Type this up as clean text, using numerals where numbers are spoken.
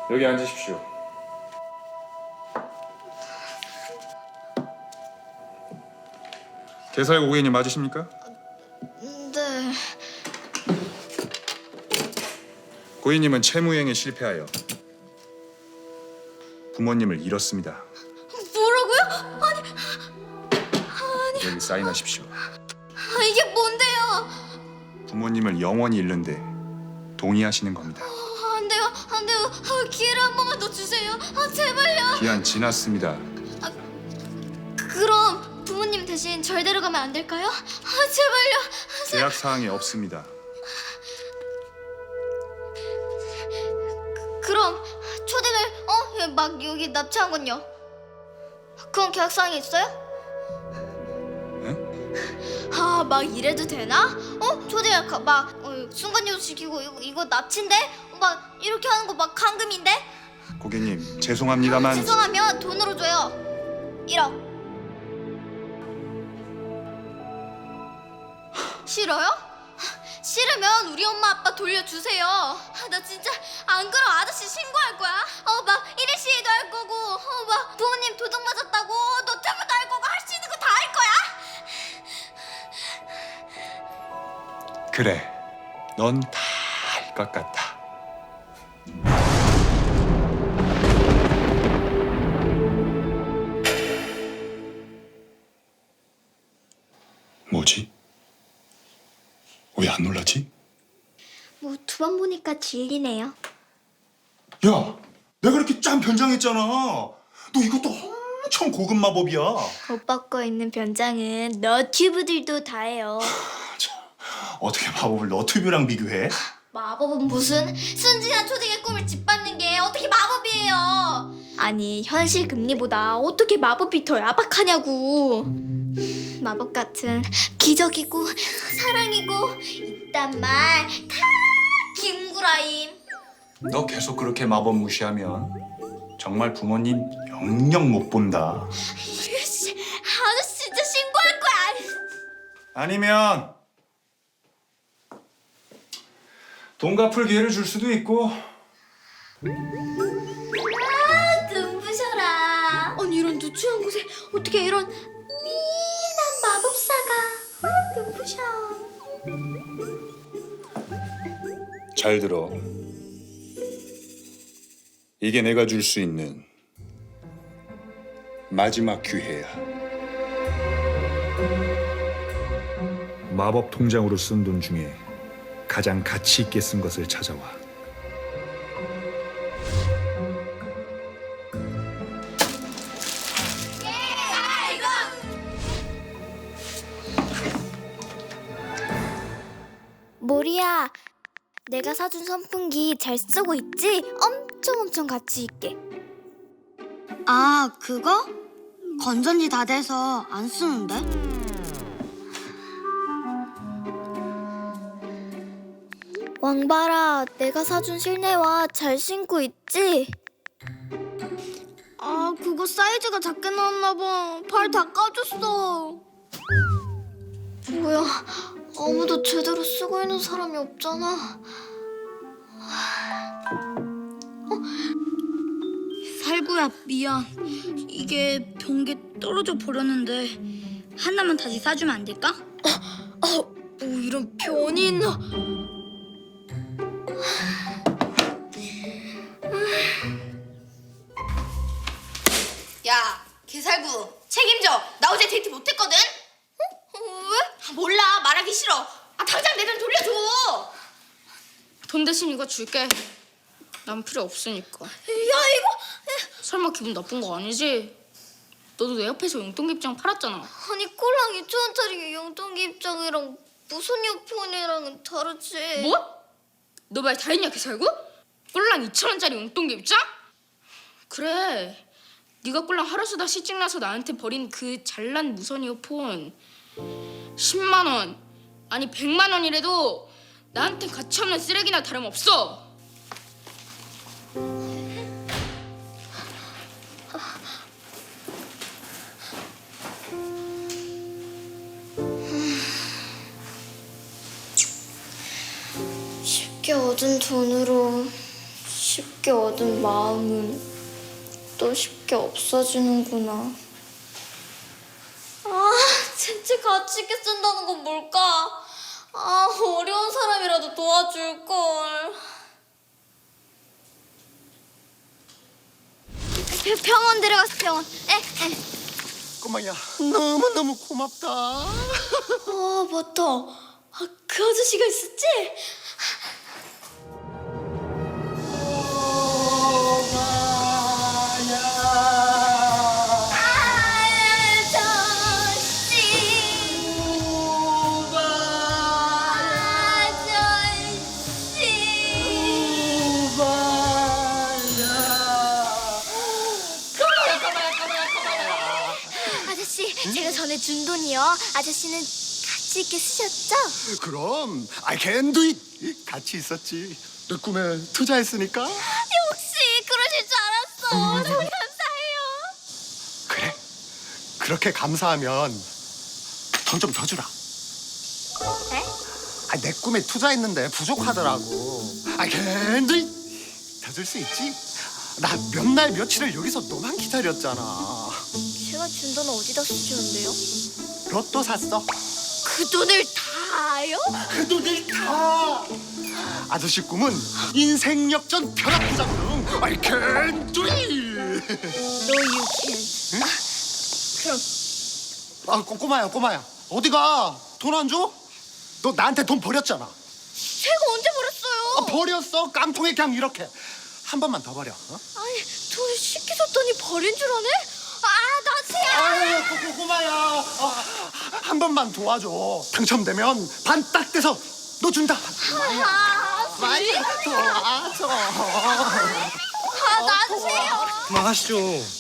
여기 앉으십시오. 개사의 고객님 맞으십니까? 네. 고객님은 채무행에 실패하여 부모님을 잃었습니다. 뭐라고요? 여기 사인하십시오. 이게 뭔데요? 부모님을 영원히 잃는데 동의하시는 겁니다. 안 돼요. 기회를 한 번만 더 주세요. 제발요. 기한 지났습니다. 그럼 부모님 대신 절 데려가면 안 될까요? 제발요. 계약 사항이 없습니다. 그럼 초딩을 막 여기 납치한 건요? 그건 계약 사항이 있어요? 막 이래도 되나? 초딩을 순간이동 시키고 이거 납치인데? 막 이렇게 하는 거 막 감금인데? 고객님 죄송합니다만 죄송하면 돈으로 줘요. 1억. 싫어요? 싫으면 우리 엄마 아빠 돌려주세요. 나 진짜 안 그럼 아저씨 신고할 거야. 막 1일 시위도 할 거고, 막 부모님 도둑 맞았다고 노트북도 할 거고 할 수 있는 거 다 할 거야. 그래, 넌 다 할 것 같아. 뭐지? 왜 안 놀라지? 뭐 두 번 보니까 질리네요. 야, 내가 이렇게 짠 변장했잖아. 너 이것도 엄청 고급 마법이야. 오빠 거 있는 변장은 너튜브들도 다 해요. 어떻게 마법을 너튜브랑 비교해? 마법은 무슨 순진한 초딩의 꿈을 짓밟는 게 어떻게 마법이에요? 아니 현실 금리보다 어떻게 마법이 더 야박하냐고. 마법 같은 기적이고 사랑이고 이딴 말 다 김구라임. 너 계속 그렇게 마법 무시하면 정말 부모님 영영 못 본다. 아저씨 진짜 신고할 거야. 아니면 돈 갚을 기회를 줄 수도 있고. 눈부셔라. 아니 이런 누추한 곳에 어떻게 이런 미난 마법사가 눈부셔. 잘 들어. 이게 내가 줄 수 있는 마지막 기회야. 마법 통장으로 쓴 돈 중에 가장 가치 있게 쓴 것을 찾아와. 모리야, 내가 사준 선풍기 잘 쓰고 있지? 엄청 가치 있게. 아, 그거? 건전지 다 돼서 안 쓰는데? 왕바라, 내가 사준 실내화 잘 신고 있지? 아, 그거 사이즈가 작게 나왔나 봐. 발 다 까졌어. 뭐야, 아무도 제대로 쓰고 있는 사람이 없잖아. 살구야, 미안. 이게 변기에 떨어져 버렸는데 하나만 다시 사주면 안 될까? 뭐 이런 변이 있나? 야, 개살구 책임져. 나 어제 데이트 못했거든? 왜? 몰라, 말하기 싫어. 당장 내 돈 돌려줘. 돈 대신 이거 줄게. 난 필요 없으니까. 야, 이거 설마 기분 나쁜 거 아니지? 너도 내 옆에서 용돈기 입장 팔았잖아. 아니 꼴랑 2,000원짜리 용돈기 입장이랑 무선 이어폰이랑은 다르지. 뭐? 너 말 다 했냐 개살구? 꼴랑 2,000원짜리 용돈기 입장? 그래. 네가 꼴랑 하루 수다 시집 나서 나한테 버린 그 잘난 무선 이어폰 10만 원 아니 100만 원이라도 나한테 가치 없는 쓰레기나 다름없어. 쉽게 얻은 돈으로 쉽게 쉽게 얻은 마음은 또 쉽게 없어지는구나. 아, 진짜 같이 있게 쓴다는 건 뭘까? 아, 어려운 사람이라도 도와줄걸. 병원 데려갔어, 병원. 꼬마야, 너무너무 고맙다. 맞다. 그 아저씨가 있었지? 아저씨, 제가 전에 준 돈이요. 아저씨는 같이 있게 쓰셨죠? 그럼 I can do it. 같이 있었지. 내 꿈에 투자했으니까. 역시 그러실 줄 알았어. 너무 감사해요. 그래. 그렇게 감사하면 돈 좀 더 주라. 네? 내 꿈에 투자했는데 부족하더라고. I can do it. 더 줄 수 있지? 나 몇 날 며칠을 여기서 너만 기다렸잖아. 제가 준 돈은 어디다 쓰셨는데요? 로또 샀어. 그 돈을 다요? 그 돈을 다. 아저씨 꿈은 인생 역전 벼락 부장 등 I can do it. No, you can't. 그럼 꼬마야. 어디가? 돈 안 줘? 너 나한테 돈 버렸잖아. 제가 언제 버렸어요? 버렸어. 깡통에 그냥 이렇게. 한 번만 더 버려. 어? 아니, 돈 쉽게 줬더니 버린 줄 아네? 나세요. 아유, 꼬마야. 한 번만 도와줘. 당첨되면 반 딱 떼서 너 준다. 많이 도와줘. 나세요. 그만하시죠.